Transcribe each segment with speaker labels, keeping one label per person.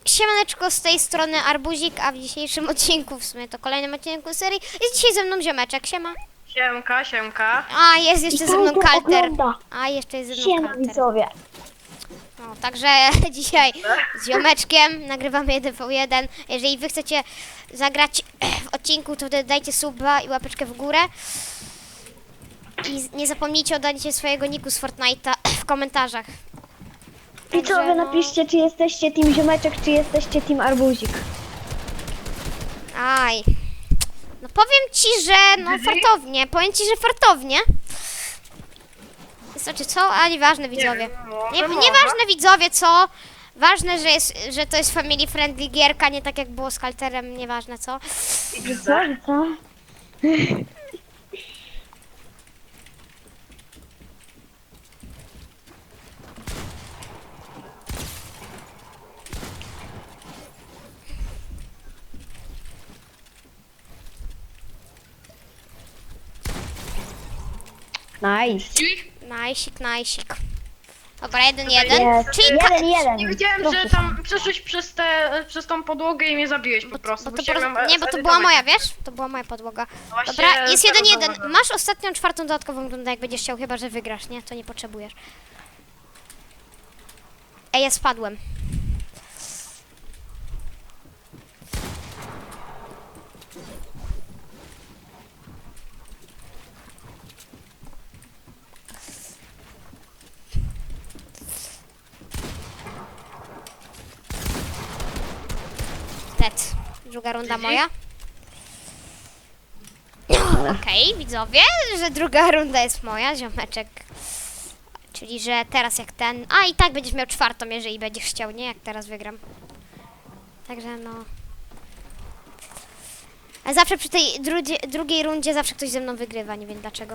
Speaker 1: Siemaneczko, z tej strony Arbuzik, a w dzisiejszym odcinku, w sumie to kolejnym odcinku serii, jest dzisiaj ze mną ziomeczek, siema.
Speaker 2: Siemka, siemka.
Speaker 1: A, jest jeszcze ze mną Kalter.
Speaker 3: Ogląda.
Speaker 1: A, jeszcze jest ze mną
Speaker 3: Siema
Speaker 1: Kalter.
Speaker 3: widzowie.
Speaker 1: No, także dzisiaj z ziomeczkiem nagrywamy 1v1. Jeżeli wy chcecie zagrać w odcinku, to wtedy dajcie suba i łapeczkę w górę. I nie zapomnijcie o daniu swojego niku z Fortnite'a w komentarzach.
Speaker 3: Widzowie,
Speaker 1: no.
Speaker 3: napiszcie, czy jesteście team ziomeczek, czy jesteście team arbuzik.
Speaker 1: Aj. No powiem ci, że no fartownie. Powiem ci, że fartownie. Znaczy co? A nieważne widzowie. Nieważne widzowie co. Ważne, że to jest family friendly gierka, nie tak jak było z Kalterem, nieważne co.
Speaker 3: Co? Nice.
Speaker 1: Najsik, najsik. Dobra, 1-1.
Speaker 3: Jest.
Speaker 1: Czyli
Speaker 2: Nie wiedziałem, że tam przeszłeś przez tą podłogę i mnie zabiłeś po prostu.
Speaker 1: bo to była moja, wiesz? To była moja podłoga.
Speaker 2: Właśnie
Speaker 1: Dobra, jest
Speaker 2: teraz
Speaker 1: 1-1.
Speaker 2: zauważyłem.
Speaker 1: Masz ostatnią, czwartą dodatkową rundę, jak będziesz chciał, chyba że wygrasz, nie? To nie potrzebujesz. Ej, ja spadłem. Tet. Druga runda moja. Okej, widzowie, że druga runda jest moja, ziomeczek. Czyli, że teraz jak ten... A, i tak będziesz miał czwartą, jeżeli będziesz chciał, nie? Jak teraz wygram. Także no... A zawsze przy tej drugiej rundzie zawsze ktoś ze mną wygrywa, nie wiem dlaczego.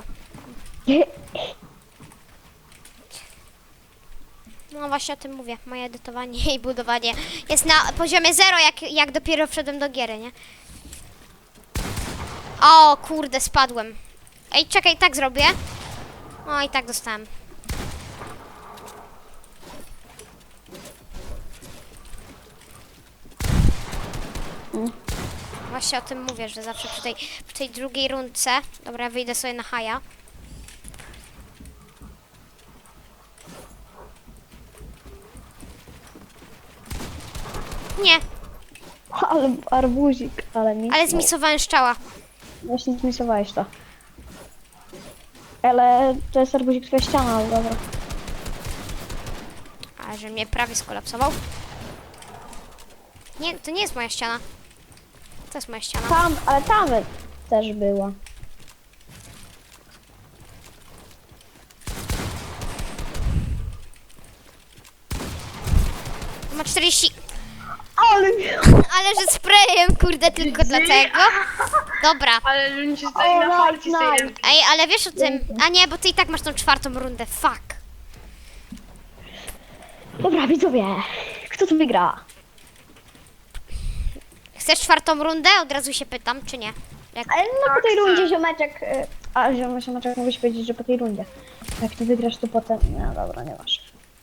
Speaker 1: No właśnie o tym mówię. Moje edytowanie i budowanie jest na poziomie 0, jak dopiero wszedłem do giery, nie? O kurde, spadłem. Ej, czekaj, tak zrobię. O, i tak dostałem. Właśnie o tym mówię, że zawsze przy tej drugiej rundce... Dobra, ja wyjdę sobie na haja. Nie,
Speaker 3: Ale arbuzik, ale mi.
Speaker 1: ale zmisowałem szczała.
Speaker 3: Właśnie zmisowałeś to. Ale to jest arbuzik twoja ściana, ale dobra.
Speaker 1: Ale że mnie prawie skolapsował. Nie, to nie jest moja ściana. To jest moja ściana.
Speaker 3: Tam, ale tam też była.
Speaker 1: Ma 40...
Speaker 3: Ale
Speaker 1: Ale że sprayem, kurde, tylko dlatego. Dobra.
Speaker 2: Ale że nie się stoi na farcie z tej
Speaker 3: nice.
Speaker 2: ręki.
Speaker 1: Ej, ale wiesz o tym... A nie, bo ty i tak masz tą czwartą rundę. Fuck.
Speaker 3: Dobra, widzowie. Kto tu wygra?
Speaker 1: Chcesz czwartą rundę? Od razu się pytam, czy nie? Jak...
Speaker 3: Ale no po tej
Speaker 2: Tak,
Speaker 3: rundzie
Speaker 2: tak.
Speaker 3: ziomeczek... A ziomeczek mógłbyś powiedzieć, że po tej rundzie. Jak ty wygrasz, to potem... No dobra, nie masz.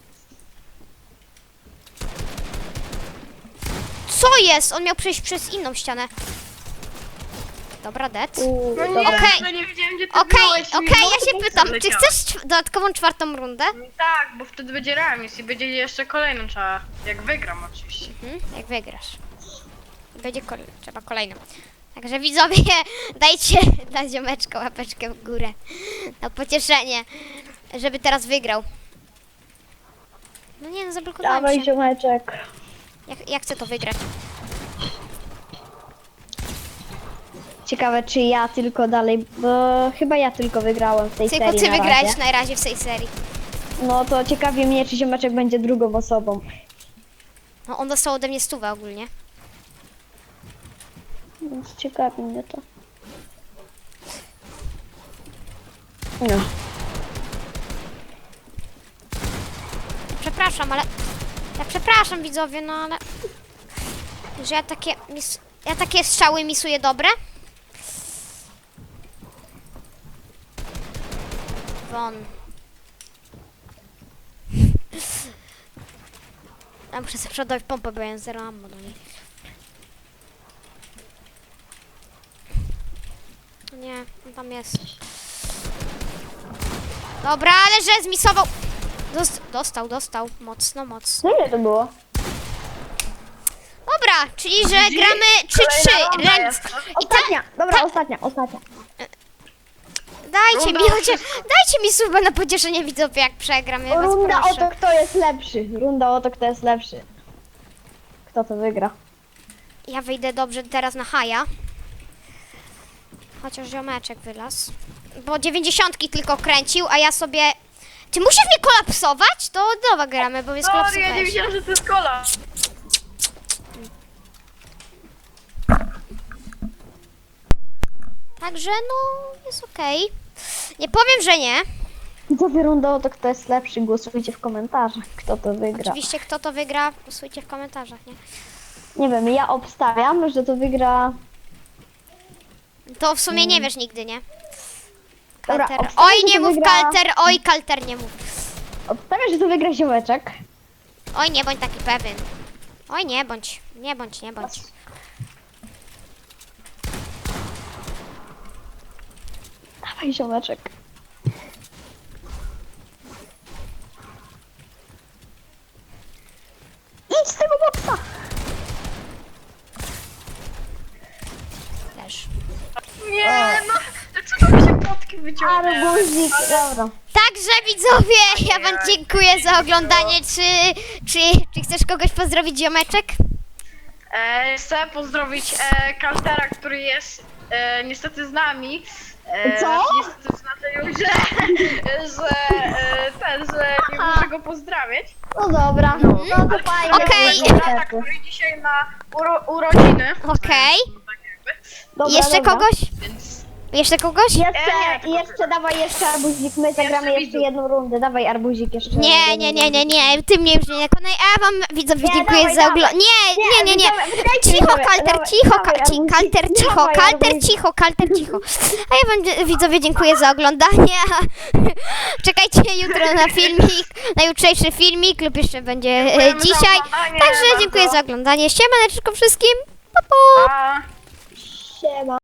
Speaker 1: Co jest? On miał przejść przez inną ścianę. Dobra, dead.
Speaker 2: No nie,
Speaker 1: Okej.
Speaker 2: że nie wiedziałem, gdzie ty
Speaker 1: Okej,
Speaker 2: byłeś.
Speaker 1: okej, ja się pytam, czy chcesz dodatkową czwartą rundę?
Speaker 2: Tak, bo wtedy będzie remis i będzie jeszcze kolejną trzeba. Jak wygram oczywiście.
Speaker 1: Jak wygrasz. Będzie trzeba kolejną. Także widzowie, dajcie dla ziomeczka łapeczkę w górę. Na pocieszenie, żeby teraz wygrał. No nie, no zablokowałem
Speaker 3: Dawaj
Speaker 1: się.
Speaker 3: ziomeczek.
Speaker 1: Ja chcę to wygrać.
Speaker 3: Ciekawe, czy ja tylko dalej, bo chyba ja tylko wygrałem w tej
Speaker 1: Tylko
Speaker 3: serii
Speaker 1: ty
Speaker 3: na
Speaker 1: wygrałeś
Speaker 3: razie.
Speaker 1: na razie w tej serii.
Speaker 3: No to ciekawie mnie, czy ziomeczek będzie drugą osobą.
Speaker 1: No on dostał ode mnie 100 ogólnie.
Speaker 3: Więc ciekawi mnie to. No.
Speaker 1: Przepraszam, ale... Ja przepraszam widzowie, no ale... Że ja takie strzały misuję dobre? Won. Ja muszę sobie przodować pompę, bo ja mam 0 ammo do niej. Nie, on tam jest. Dobra, ale że zmisował. Dostał. Mocno.
Speaker 3: No ile to było?
Speaker 1: Dobra, czyli że
Speaker 2: Widzi?
Speaker 1: gramy 3-3.
Speaker 2: Kolejna runda
Speaker 1: Remis.
Speaker 2: jest.
Speaker 1: I ta,
Speaker 3: Ostatnia, dobra, ostatnia.
Speaker 1: dajcie mi,
Speaker 2: Runda
Speaker 1: dajcie mi suba na pocieszenie widzowie, jak przegram, ja was
Speaker 3: Runda o
Speaker 1: proszę.
Speaker 3: to, kto jest lepszy. Runda o to, kto jest lepszy. Kto to wygra?
Speaker 1: Ja wyjdę dobrze teraz na haja. Chociaż ziomeczek wylazł. Bo 90 tylko kręcił, a ja sobie... Ty musisz mnie kolapsować? To od nowa gramy, bo mnie
Speaker 2: Sorry, ja nie
Speaker 1: skolapsowałeś.
Speaker 2: wiedziałem, że to jest kola.
Speaker 1: Także no, jest okej. Nie powiem, że nie.
Speaker 3: Widzowie, runda o to, kto jest lepszy. Głosujcie w komentarzach, kto to wygra.
Speaker 1: Oczywiście kto to wygra, głosujcie w komentarzach, nie?
Speaker 3: Nie wiem, ja obstawiam, że to wygra...
Speaker 1: To w sumie nie wiesz nigdy, nie?
Speaker 3: Dobra,
Speaker 1: Kalter.
Speaker 3: obstawiam,
Speaker 1: Oj,
Speaker 3: że
Speaker 1: nie
Speaker 3: to
Speaker 1: mów
Speaker 3: wygra...
Speaker 1: kalter, oj, kalter nie mów.
Speaker 3: Obstawiam, że to wygra ziomeczek.
Speaker 1: Oj, nie bądź taki pewien. Oj, nie bądź.
Speaker 3: Dawaj, ziomeczek. Idź z tego boksa!
Speaker 1: Też.
Speaker 2: Nie, no. Co tam się potki wyciągnęły?
Speaker 3: Arbuzik, dobra.
Speaker 1: Także widzowie, ja wam dziękuję za oglądanie. Czy chcesz kogoś pozdrowić, ziomeczek?
Speaker 2: Chcę pozdrowić Kaltera, który jest niestety z nami.
Speaker 3: Co?
Speaker 2: Znaczy, niestety znaczy, że nie muszę go pozdrawiać.
Speaker 3: No dobra, no to fajnie.
Speaker 1: Okej.
Speaker 2: Kaltera, który dzisiaj ma urodziny.
Speaker 1: Okej.
Speaker 2: Tak jakby.
Speaker 3: Dobra,
Speaker 1: Jeszcze
Speaker 3: dobra.
Speaker 1: kogoś?
Speaker 2: Więc
Speaker 1: Jeszcze kogoś?
Speaker 3: Jeszcze dawaj jeszcze arbuzik, my zagramy jeszcze
Speaker 2: widzów.
Speaker 3: jedną rundę, dawaj arbuzik jeszcze.
Speaker 1: Nie, ty mnie już nie nakonaj. A ja wam widzowie
Speaker 3: Nie,
Speaker 1: dziękuję
Speaker 3: dawaj,
Speaker 1: za
Speaker 3: dawaj.
Speaker 1: oglądanie. Nie.
Speaker 3: Dajcie
Speaker 1: Cicho,
Speaker 3: dawaj,
Speaker 1: kalter,
Speaker 3: dawaj,
Speaker 1: cicho,
Speaker 3: dawaj, arbuzik.
Speaker 1: kalter, cicho,
Speaker 3: Dawaj,
Speaker 1: kalter,
Speaker 3: arbuzik.
Speaker 1: cicho. A ja wam widzowie dziękuję za oglądanie. Czekajcie jutro na filmik, na jutrzejszy filmik lub jeszcze będzie
Speaker 2: Dziękujemy za
Speaker 1: dzisiaj.
Speaker 2: oglądanie
Speaker 1: Także
Speaker 2: bardzo.
Speaker 1: dziękuję za oglądanie. Siemaneczko wszystkim. Pa, pa.
Speaker 2: pa.
Speaker 3: Siema.